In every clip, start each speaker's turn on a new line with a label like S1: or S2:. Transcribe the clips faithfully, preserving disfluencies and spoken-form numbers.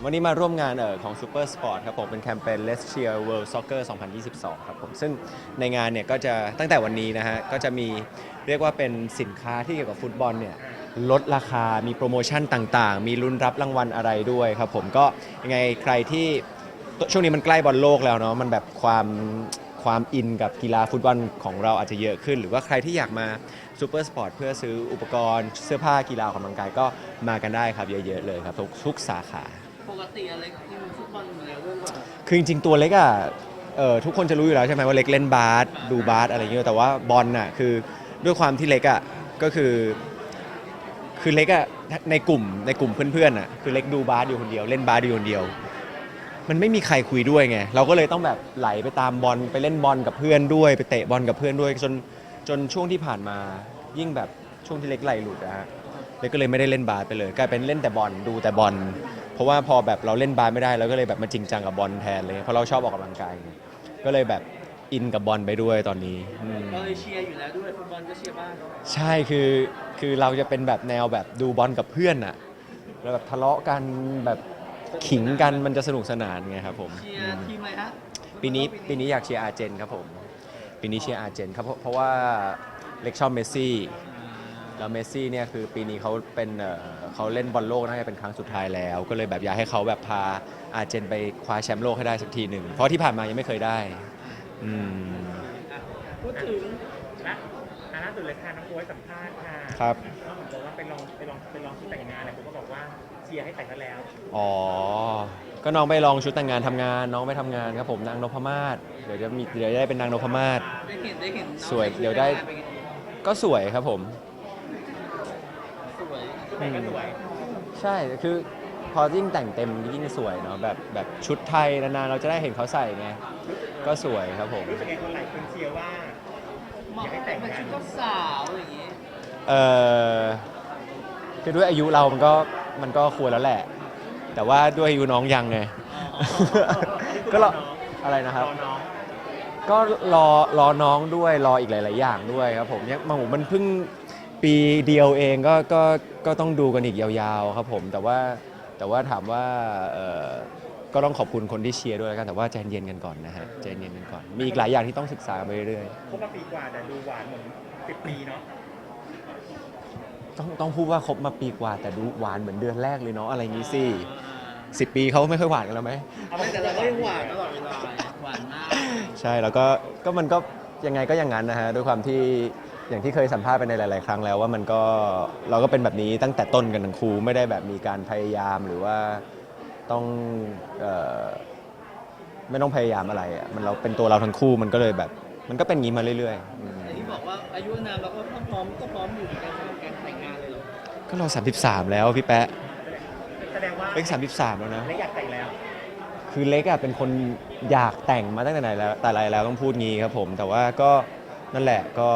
S1: วันนี้มาร่วมงานเอ่อของ Super Sport ครับผมเป็นแคมเปญ Let's Cheer World Soccer สองพันยี่สิบสองครับผมซึ่งในงานเนี่ยก็จะตั้งแต่วันนี้นะฮะก็จะมีเรียกว่าเป็นสินค้าที่เกี่ยวกับฟุตบอลเนี่ยลดราคามีโปรโมชั่นต่างๆ มีลุ้นรับรางวัลอะไรด้วยครับผมก็ยังไงใครที่ช่วงนี้มันใกล้บอลโลกแล้วเนาะมันแบบความความอินกับกีฬาฟุตบอลของเราอาจจะเยอะขึ้น หรือว่าใครที่อยากมาซูเปอร์สปอร์ตเพื่อซื้ออุปกรณ์เสื้อผ้ากีฬาออกกำลังกายก็มากันได้ครับเยอะๆเลยครับทุกทุกสาขา
S2: ปกติอะไรที่มันฟุตบอลอยู่แล้วด้วยว่า
S1: คือจริงๆตัวเล็กอ่ะเออทุกคนจะรู้อยู่แล้วใช่ไหมว่าเล็กเล่นบาสดูบาสอะไรเงี้ยแต่ว่าบอลน่ะคือด้วยความที่เล็กอ่ะก็คือคือเล็กอ่ะในกลุ่มในกลุ่มเพื่อนๆอ่ะคือเล็กดูบาสอยู่คนเดียวเล่นบาสอยู่คนเดียวมันไม่มีใครคุยด้วยไงเราก็เลยต้องแบบไหลไปตามบอลไปเล่นบอลกับเพื่อนด้วยไปเตะบอลกับเพื่อนด้วยจนจนช่วงที่ผ่านมายิ่งแบบช่วงที่เล็กไหลหลุดนะฮะเล็กก็เลยไม่ได้เล่นบาสไปเลยกลายเป็นเล่นแต่บอลดูแต่บอลเพราะว่าพอแบบเราเล่นบาสไม่ได้เราก็เลยแบบมาจริงจังกับบอลแทนเลยเพราะเราชอบออกกำลังกายก็เลยแบบอินกับบอลไปด้วยตอนนี้
S2: เราเลยเชียร์อยู่แล้วด้วยฟุตบอลก็เชียร์บ้าง
S1: ใช่คือคือเราจะเป็นแบบแนวแบบดูบอลกับเพื่อนอะแล้วแบบทะเลาะกันแบบขิงกันมันจะสนุกสนานไงครับผม
S2: เชียร์ทีมอะไรฮะ
S1: ปีนี้ปีนี้อยากเชียร์อาร์เจนครับผมปีนี้เชียร์อาร์เจนครับเพราะว่าเล็กชอบเมสซี่แล้วเมสซี่เนี่ยคือปีนี้เขาเป็นเขาเล่นบอลโลกน่าจะเป็นครั้งสุดท้ายแล้วก็เลยแบบอยากให้เขาแบบพาอาร์เจนไปคว้าแชมป์โลกให้ได้สักทีหนึ่งเพราะที่ผ่านมายังไม่เคยได้อืม
S2: พูดถึง
S3: และอันล่าสุดเลยค่ะน้องโบ๊ทสัมภาษณ์ค่ะ
S1: ครับ
S3: น้องบอกว่าไปลองไปลองไปลองชุดแต่งงานอะไรผมก็บอกว่าเชียร์ให้แต่งกันแล้ว
S1: อ๋อก็น้องไปลองชุดแต่งงานทำงานน้องไปทำงานครับผมนางนพมาศเดี๋ยวจะมีเดี๋ยวได้เป็นนางนพมาศ
S2: ได้เห็นได้เห็น
S1: สวยเดี๋ยวได้ก็สวยครับผม
S2: สวย
S3: แต่งก็สวย
S1: ใช่คือพอยิ่งแต่งเต็มยิ่งสวยเนาะแบบแบบชุดไทยนานๆเราจะได้เห็นเขาใส่ไงก็สวยครับผม
S3: รู้สึกไงคนหลายคนเชียร์ว่า
S2: อยากให้แต่งเป็นชุดเจ้าสาวอย่างงี้
S1: เออคือด้วยอายุเรามันก็มันก็ควรแล้วแหละแต่ว่าด้วยอายุน้องยังไงก็รออะไรนะครับก็รอรอน้องด้วยรออีกหลาย ๆ อย่างด้วยครับผมเนี่ยมาหูมันเพิ่งปีเดียวเองก็ก็ก็ต้องดูกันอีกยาวๆครับผมแต่ว่าแต่ว่าถามว่าเออก็ต้องขอบคุณคนที่เชียร์ด้วยแล้วกันแต่ว่าใจเย็นกันก่อนนะฮะใจเย็นกันก่อนมีอีกหลายอย่างที่ต้องศึกษาไปเรื่อย
S3: คบมาปีกว่าแต่ดูหวานเหมือนสิบปีเนาะ
S1: ๆต้องต้องพูดว่าคบมาปีกว่าแต่ดูหวานเหมือนเดือนแรกเลยเนาะอะไรอย่างงี้สิสิบปีเขาไม่ค่อยหวานกันแล้วไหม
S2: แต่เราก็ยังหวานตลอดเวลาหวานมาก
S1: ใช่แล้วก็ก็มันก็ยังไงก็อย่างนั้นนะฮะด้วยความที่อย่างที่เคยสัมภาษณ์ไปในหลาย ๆ ครั้งแล้วว่ามันก็เราก็เป็นแบบนี้ตั้งแต่ต้นกันทั้งคู่ไม่ได้แบบมีการพยายามหรือว่าต้องเอ่อไม่ต้องพยายามอะไรอ่ะมันเราเป็นตัวเราทั้งคู่มันก็เลยแบบมันก็เป็นอย่างนี้มาเรื่อย
S2: ๆที่บอกว่าอายุนานแล้วก็พร้อมก็พร้อมอยู่ในการแต่งงานเลยหรอ
S1: ก็เราสามสิบสามแล้วพี่แป๊ะ
S3: แสดงว่า
S1: เล็กสามสิบสามแล้วนะ
S3: เล็กอยากแต่งแล้ว
S1: คือเล็กอ่ะเป็นคนอยากแต่งมาตั้งแต่ไหนแล้วแต่ไรแล้วต้องพูดงี้ครับผมแต่ว่าก็นั่นแหละก็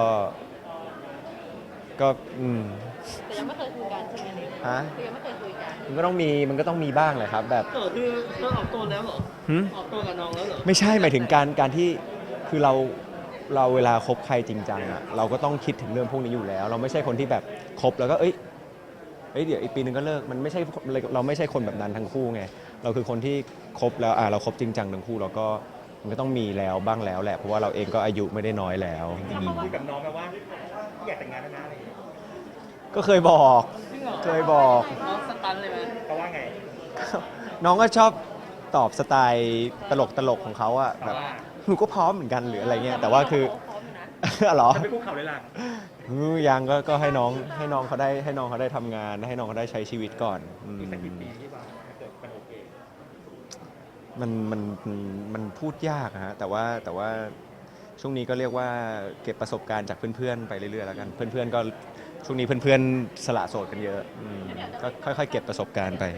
S1: ก็อืม
S4: แต่ยังไม่เคยคุยกันใช่ไหมเนี่ย
S1: ฮะ
S4: คือยังไม่เคยคุยกัน
S1: มันก็ต้องมีมันก็ต้องมีบ้างแหละครับแบบ
S2: เออคือเธอออกตัวแล้วเหรอออกตัวกับน้องแล้วเหรอ
S1: ไม่ใช่หมายถึงการการที่คือเราเราเวลาคบใครจริงจังอ่ะเราก็ต้องคิดถึงเรื่องพวกนี้อยู่แล้ว เราไม่ใช่คนที่แบบคบแล้วก็เอ้ยเอ้ยเดี๋ยวอีกปีนึงก็เลิกมันไม่ใช่เราไม่ใช่คนแบบนั้นทั้งคู่ไงเราคือคนที่คบแล้วอ่าเราคบจริงจังทั้งคู่เราก็มันก็ต้องมีแล้วบ้างแล้วแหละเพราะว่าเราเองก็อายุไม่ได้น้อยแล้ว
S3: คุยกับน้องไหมว่าอยากแต่งงานแล้วนะอะไรอย่างเงี้ย
S1: ก็เคยบอกเคยบอก
S2: น้องสตันเลยไหม
S3: เขาว่าไง
S1: น้องก็ชอบตอบสไตล์ตลกตลกของเขาอะแบบหนูก็พร้อมเหมือนกันหรืออะไรเงี้ยแต่ว่าคือเหรอ
S3: จะไปคุกเข่าเลยล่ะ
S1: ยังก็ก็ให้น้องให้น้องเขาได้ให้น้องเขาได้ทำงานให้น้องเขาได้ใช้ชีวิตก่อน
S3: อีกสักกี่ปีที่ว่าเกิดมันโอเค
S1: มันมันมันพูดยากฮะแต่ว่าแต่ว่าช่วงนี้ก็เรียกว่าเก็บประสบการณ์จากเพื่อนๆไปเรื่อยๆแล้วกันเพื่อนๆก็ช่วงนี้เพื่อนๆสละโสดกันเยอะก็ค่อยๆเก็บประสบการณ์ไป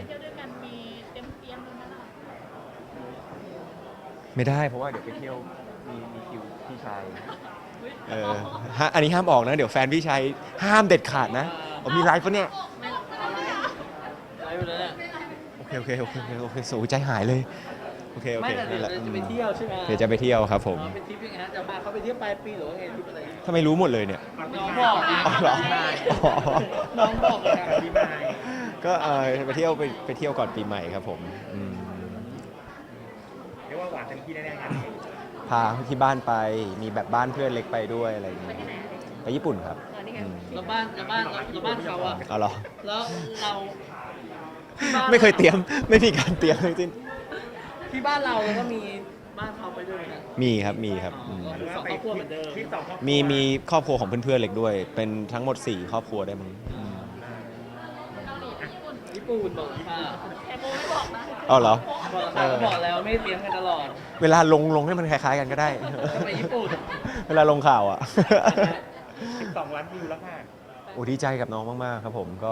S1: ไม่ได้เพราะว่าเดี๋ยวไปเที่ยวมีมีคิวพี่ชายเออฮะอันนี้ห้ามออกนะเดี๋ยวแฟนพี่ชายห้ามเด็ดขาดนะผมมีไลฟ์ปะเนี่ย
S2: ไลฟ์เลยเนี่ย
S1: โอเคโอเคโอเคโอเคสูใจหายเลยโอเคโอเค
S2: ไม่แต่เดี๋ยวจะไปเที่ยวใช่ไหม
S1: เดี๋ยวจะไปเที่ยวครับผม
S2: เป็นทริปยังไงฮะจะพาเขาไปเที่ยวปลายปีหรือว่าไงทริปอะไร
S1: ทำไมรู้หมดเลยเนี่ย
S2: น้องบอกนะ
S1: อ๋อเหรอ
S2: น้องบอกนะ
S1: ก็ก็เออไปเที่ยวไปไปเที่ยวก่อนปีใหม่ครับผมอืม
S3: เรียกว่าหวานเต็มที่แน่ๆงานนี้
S1: พาที่บ้านไปมีแบบบ้านเพื่อนเล็กไปด้วยอะไรอย่าง
S4: ไป
S1: เงี้ย
S4: ที่ไหน
S1: ไปญี่ปุ่นครับ
S4: เออนี่ไง
S1: อืม
S2: แล้วบ้านแล้วบ้านแล้วบ้านเขาอะ
S1: เอาเหรอ
S2: แล้วเราที่บ้าน
S1: ไม่เคยเตรียมไม่มีการเตรียมทั้งสิ้น
S2: ที่บ้านเราแล้วก็มีบ้านเขาไปด้วยนะ
S1: มีครับมีครับอืม
S3: หรือว่าไป
S2: สองครอบครัวเหมือนเดิม
S3: ที่สองครอบครัว
S1: มีมีครอบครัวของเพื่อนๆเล็กด้วย เป็นทั้งหมดสี่ครอบครัวได้มั้งอืม
S2: ญี่ปุ่นบอกค่ะ
S4: แต่โบไม่บอกนะ
S1: เอาเหรอ
S2: บอกค่ะก็บอกแล้วไม่เตรียมกันตลอด
S1: เวลาลงลงให้มันคล้ายๆกันก็ได้
S2: จะไปญี่ปุ่น
S1: เวลาลงข่าวอ่ะ
S3: สิบสองล้านวิวแล้วค่ะ
S1: โอ้ดีใจกับน้องมากๆครับผมก็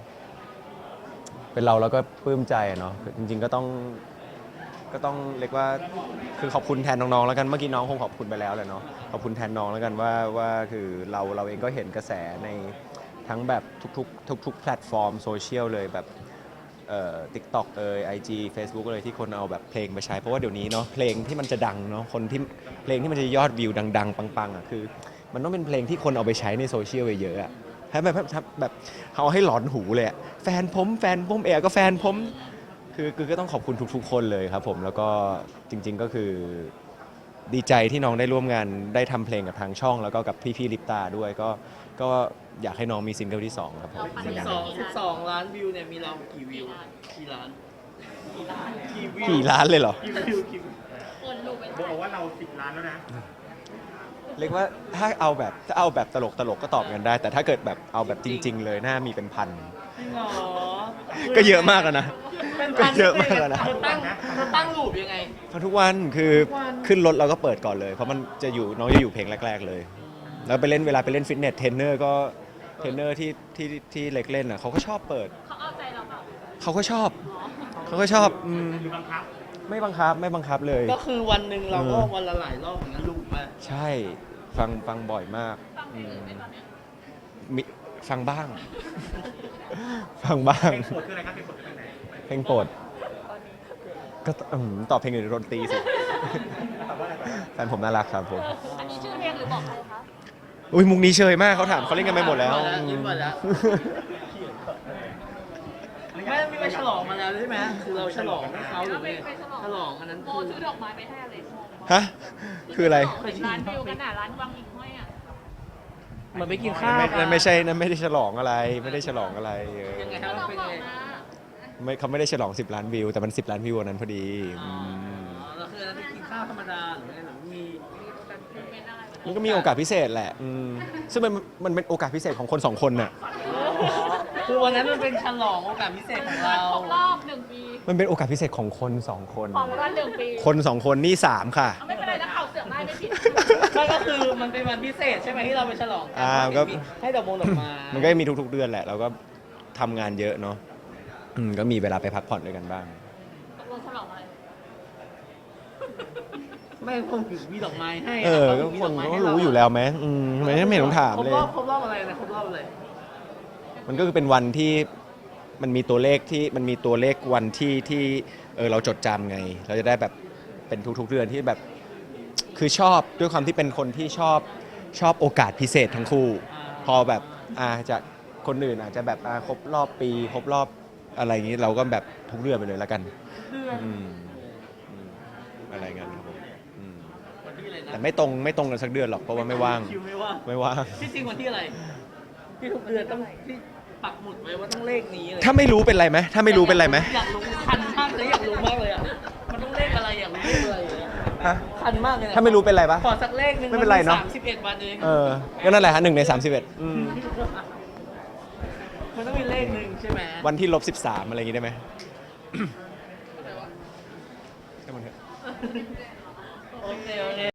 S1: เป็นเราแล้วก็ปลื้มใจอะเนาะจริง ๆก็ต้องก็ต้องเรียกว่าคือขอบคุณแทนน้องๆแล้วกันเมื่อกี้น้องคงขอบคุณไปแล้วแหละเนาะขอบคุณแทนน้องแล้วกันว่าว่าคือเราเราเองก็เห็นกระแสในทั้งแบบทุกๆทุกๆแพลตฟอร์มโซเชียลเลยแบบเอ่อ TikTok เอ่ย ไอ จี Facebook เลยที่คนเอาแบบเพลงไปใช้เพราะว่าเดี๋ยวนี้เนาะเพลงที่มันจะดังเนาะคนที่เพลงที่มันจะยอดวิวดังๆปังๆอ่ะคือ มันต้องเป็นเพลงที่คนเอาไปใช้ในโซเชียลเยอะๆอะให้แบบแบบแบบเขาให้หลอนหูเลยอะแฟนผมแฟนผมเอก็แฟนผมคือคือก็ต้องขอบคุณทุกๆ คนเลยครับผมแล้วก็จริง ๆก็คือดีใจที่น้องได้ร่วมงานได้ทำเพลงกับทางช่อง แล้วก็กับพี่ๆลิปตาด้วยก็ก็อยากให้น้องมีซิงเกิลที่สองครับผม
S2: สิบสองสิบสองล้านวิวเนี่ยมีเรากี่วิวกี่ล้านกี่วิว
S1: กี่ล้านเลยเหรอ
S2: กี่วิวกี่วิว
S4: คนลูกไป
S3: โบบอกว่าเราสิบล้านแล้วนะ
S1: เรียกว่าถ้าเอาแบบถ้าเอาแบบตลกตลกก็ตอบกันได้ แต่ถ้าเกิดแบบเอาแบบจริง ๆ เลยน่ามีเป็นพัน
S2: จริงเหรอ
S1: ก็เยอะมากแล้วนะ
S2: เป็น
S1: ก็
S2: พัน
S1: เยอะมากแล้วนะ
S2: เธอตั้งเธอตั้งรูปยังไง
S1: เพราะทุกวันคือ
S2: ทุกวัน
S1: ขึ้นรถเราก็เปิดก่อนเลย เพราะมันจะอยู่น้องจะอยู่เพลงแรก ๆ เลย แล้วไปเล่นเวลาไปเล่นฟิตเนสเทรนเนอร์ก็เทรนเนอร์ที่ที่ที่เล็กเล่นอ่ะเขาก็ชอบเปิด
S4: เขาเอาใจเราเปล่า
S1: เขาก็ชอบเขาก็ชอบอืม
S3: หรือบังคับ
S1: ไม่บังคับไม่บังคับเลย
S2: ก็คือวันหนึ่งเราก็
S1: เออ
S2: วันละหลายรอบเหมือนกันลูกมา
S1: ใช่ฟังฟังบ่อยมาก
S4: ฟังเพล
S1: อื
S4: ง
S1: ม
S4: อื่นไหมตอนเนี้ย
S1: มิฟังบ้าง ฟังบ้าง
S3: เพลงโปรดคืออะไรครับเพลงโปรดคือเพลงไหน
S1: เพลงโปรดก็อืมตอบเพลงอื่นดนตรีสิ
S3: ตอบว่าอะไรตอบว่า
S1: แฟนผมน่ารักครับผม
S4: อันนี้ชื่อเพลงหรือบอกใครคะ
S1: อุ้ยมุกนี้เชยมากเขาถามเขาเล่นกันไปหมดแล้ว
S2: ยิ้มหมดแล้วไม่มีไปฉลองมาแล้วใช่ไหมคือเราฉลองให้เขาหรือ
S4: ไป
S2: ไง
S4: ไปฉลอง
S2: ฉลองอันนั้น
S4: โบ
S2: คือ
S4: ซื้อดอกไม้ไปให้อะไร
S1: ฮะคืออะไร
S4: ร้านวิวกันน่ะร้านวังหิ่งห้อยอ่ะ
S2: เหมือนไปกินข้าว
S1: นั่นไม่นั่นไม่ใช่นั่นไม่ได้ฉลองอะไร ไม่ได้ฉลองอะไรเออ
S2: ยังไงค
S4: ก็
S2: รับ
S4: ล
S2: มั
S4: อน ง
S2: เป็น
S4: บอ
S2: ไง
S4: กมา
S1: ไม่เขาไม่ได้ฉลองสิบล้านวิวแต่มันสิบล้านวิววันนั้นพอดี
S2: อ๋อ
S1: ม
S2: แล้วคืออันนั้นไปกินข้าวธรรมดาหรือไงหรือมี
S4: เป็นอะไรวะ
S1: มันก็มีโอกาสพิเศษแหละอืมซึ่งมันมันเป็นโอกาสพิเศษของคนสองคนน่ะ
S2: คือวันนั้นมันเป็นฉลองโอกาสพิเศษของเรา
S4: ครบรอบหนึ่งปี
S1: มันเป็นโอกาสพิเศษของคนสองคน
S4: ของวันหนึ่งปี
S1: คนสองคนนี่สามค่ะ
S4: เอาไม่เป็นไรนะเขาเสือกได้ไม่ผิด
S2: ก็ก็คือมันเป็นวันพิเศษใช่ไหมที่เราไปฉลองกั
S1: อ่าก็
S2: ให้ดอกมงดอกไม้
S1: มันก็มีทุกๆเดือนแหละเราก็ทำงานเยอะเนาะอืมก็มีเวลาไปพักผ่อนด้วยกันบ้าง
S4: ตกลงฉลองอะไร
S2: ไม่คงถึงมีดอกไม้ให้
S1: เออ
S2: ขา
S1: ก็
S2: มี
S1: ค
S2: ด
S1: น
S2: กไม้
S1: ก็
S2: ให้เรา
S1: รู้อยู่แล้วไหมอืมไม่ไม่เห็นต้องถาม
S2: ครบ
S1: เลย
S2: รอบครบรอบอะไรนะครบรอบอะไร
S1: มันก็คือเป็นวันที่มันมีตัวเลขที่มันมีตัวเลขวันที่ที่เออเราจดจำไง เราจะได้แบบเป็นทุกๆเดือนที่แบบคือชอบด้วยความที่เป็นคนที่ชอบชอบโอกาสพิเศษทั้งคู่ พอแบบอาจากคนอื่นอาจจะแบบอ่าครบรอบปี ครบรอบอะไรอย่างนี้เราก็แบบทุกเดือนไปเลยแล้วกัน
S2: เดือน
S1: อืมอืมอะไรเงี้ยครับผมอืม
S2: วันที่อะไรนะ
S1: แต่ไม่ตรงไม่ตรงกันสักเดือนหรอกเพราะว่าไม่ว่าง
S2: คิวไม่ว่าง
S1: ไม่ว่าง
S2: ที่จริงวันที่อะไรที่ทุกเดือนต้องที่ปักหมุดไว้ว่าต้องเลขนี้เลย
S1: ถ้าไม่รู้เป็นไรไหมถ้าไม่รู้เป็นไรไหม
S2: อยากรู้คันมากเลยอยากรู้มากเลยอ่ะมันต้องเลขอะไรอยากรู้เลขอะไรเลยอะ
S1: ฮะ
S2: คันมากเลยนะ
S1: ถ้าไม่รู้เป็นไรปะ
S2: ขอสักเลขหนึ่ง
S1: ไม่เป็นไรเนอะ
S2: สามสิบเอ็ดวันเอง
S1: เออก็นั่นแหละฮะหนึ่งในสามสิบเอ็ด
S2: มันต้องมีเลขหนึ่งใช่ไหม
S1: วันที่ลบสิบสามอะไรอย่างงี้ได้ไหม ให้มันเถอะ
S2: โอเคโอเค